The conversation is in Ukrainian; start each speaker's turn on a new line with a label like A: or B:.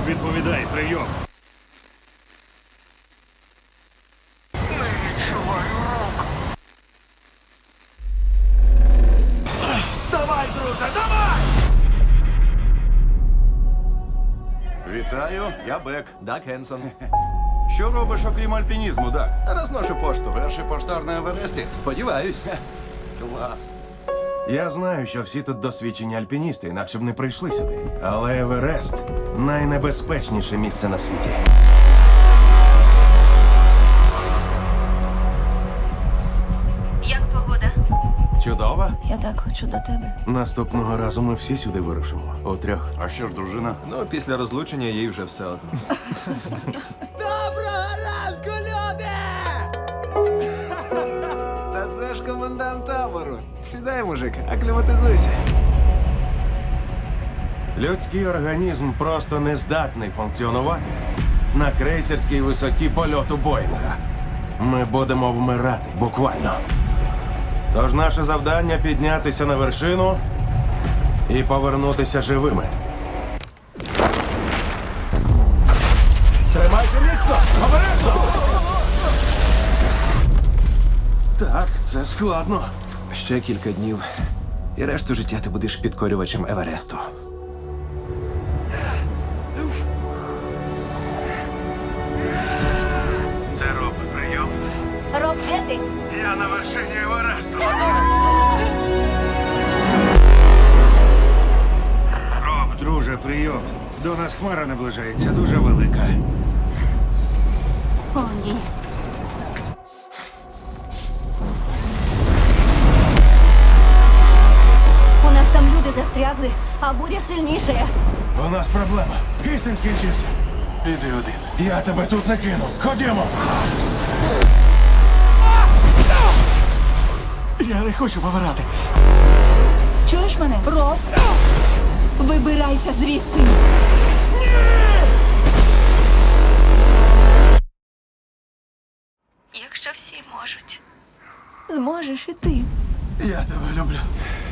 A: Відповідай, прийом.
B: Не відчуваю рук.
A: Давай, друже, давай!
C: Вітаю, я Бек.
D: Дак Хенсон.
C: Що робиш, окрім альпінізму, Дак?
D: Розношу пошту.
C: Перший поштар на Евересті?
D: Сподіваюсь.
C: Клас.
E: Я знаю, що всі тут досвідчені альпіністи, інакше б не прийшли сюди. Але Еверест найнебезпечніше місце на світі.
F: Як погода?
E: Чудово.
F: Я так хочу до тебе.
E: Наступного разу ми всі сюди вирушимо. Утрьох.
C: А що ж, дружина?
D: Ну, після розлучення їй вже все одно.
G: Доброго ранку, люди! Та це ж комендант табору. Сідай, мужик, акліматизуйся.
E: Людський організм просто не здатний функціонувати на крейсерській висоті польоту Боїнга. Ми будемо вмирати, буквально. Тож наше завдання піднятися на вершину і повернутися живими. Тримайся міцно! Обережно! Так, це складно.
D: Ще кілька днів. І решту життя ти будеш підкорювачем Евересту.
E: Це Роб, прийом.
F: Роб, де ти?
E: Я на вершині Евересту.
A: Роб, друже, прийом. До нас хмара наближається, дуже велика.
F: О, ні. У нас там люди застрягли, а буря сильніша.
E: У нас проблема. Кисень скінчився.
C: Іди один.
E: Я тебе тут не кину. Ходімо.
G: Я не хочу помирати.
F: Чуєш мене? Роб? Вибирайся звідти. Якщо всі можуть, зможеш і ти.
C: Я тебе люблю.